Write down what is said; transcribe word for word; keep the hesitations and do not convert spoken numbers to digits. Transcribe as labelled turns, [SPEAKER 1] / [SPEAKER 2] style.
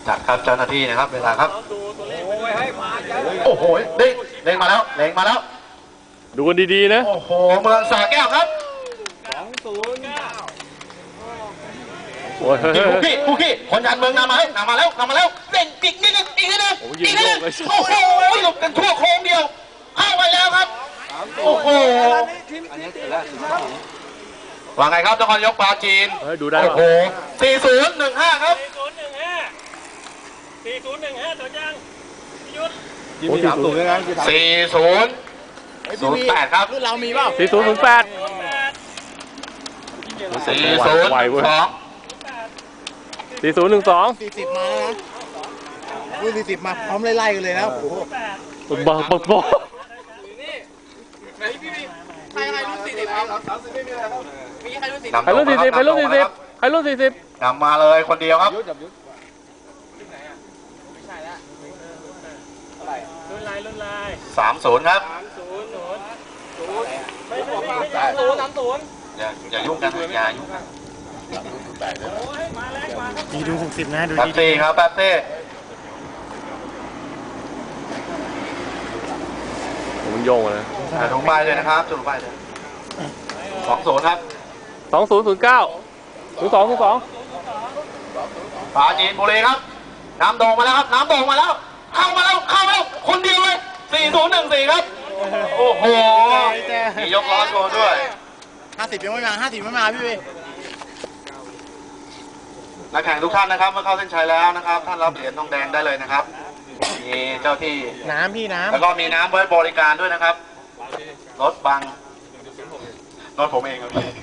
[SPEAKER 1] จัดครับเจ้าหน้าที่นะครับเวลาครับโอ้โหเด้งเด้งมาแล้วเด้งมาแล้ว
[SPEAKER 2] ดูกันดีๆนะ
[SPEAKER 1] โอ้โหเมืองสระแก้วครับ
[SPEAKER 3] สองศูนย์
[SPEAKER 2] โอ้ย
[SPEAKER 1] ผู้ขี้ผู้ขี้คนยันเมืองนำมาแล้วนำมาแล้วนำมาแล้วเด้งอีกนิดนึงอีกนิดนึงอีกนิดนึงโอ้โหหลบกันทั่วโค้งเดียวเข้าไปแล้วครับโอ้โหว่าไงครับนครยกปลาจีน
[SPEAKER 2] ดูได้
[SPEAKER 1] โอ้โหสี่ศูนย์หนึ่งห้าครับ
[SPEAKER 3] สี่ศูนย์หนึ่งห้าตัวยังยุด
[SPEAKER 2] ยี่สิบสามศูนย์นะ
[SPEAKER 1] สี่ศูนย์ศูนย์แปดครับ
[SPEAKER 4] รุ่นเรามีเปล่า
[SPEAKER 2] สี่ศูนย์ศูนย์แปด
[SPEAKER 1] สี่ศูนย์สอง
[SPEAKER 2] สี่ศูนย์หนึ่งสอง
[SPEAKER 4] สี่สิบมาแล้วนะรุ่นสี่สิบมาพร้อมไล่ๆกันเลยนะโอ้โห
[SPEAKER 2] บอกบอกบอก
[SPEAKER 4] ใครใครรุ่นสี่สิบครับมีใครรุ่นสี่สิบ
[SPEAKER 2] ใครรุ่นสี่สิบใครรุ่นสี่สิบใครรุ่นสี่สิบ
[SPEAKER 1] นำมาเลยคนเดียวครับ
[SPEAKER 3] รุ่นลายรุ่นลาย
[SPEAKER 1] สามศูนย์ครับ
[SPEAKER 3] สามศูนย์ศูนย์ศูนย์ไม่ไม่ไม่ไม่สามศูนย์สามศูนย์
[SPEAKER 1] อย่าอย่ายุ่งกันอย่ายุ่งกัน
[SPEAKER 4] มีดูหกสิบนะดู
[SPEAKER 1] ดีดีครับแป๊บเต้
[SPEAKER 2] มันโยงเลย
[SPEAKER 1] ลงไปเลยนะครับจุดลงไปเลยสองศูนย์ครับ
[SPEAKER 2] สองศูนย์ศูนย์เก้าศูนย์สองศูนย์สอง
[SPEAKER 1] ปราจีนบุรีครับน้ำโด่งมาแล้วครับน้ำโด่งมาแล้วเข้ามาแล้วเข้ามาแล้วคนเดียวเลยสี่ศูนย์หนึ่งสี่ครับโอ้โหมียกล้อโชว์ด้วย
[SPEAKER 4] ห้าสิบยังไม่มาห้าสิบไม่มาพี่พี่
[SPEAKER 1] นักแข่งทุกท่านนะครับเมื่อเข้าเส้นชัยแล้วนะครับท่านรับเหรียญทองแดงได้เลยนะครับมีเจ้าที่
[SPEAKER 4] น้ำพี่น้ำ
[SPEAKER 1] แล้วก็มีน้ำไว้บริการด้วยนะครับรถบังรถผมเองครับพี่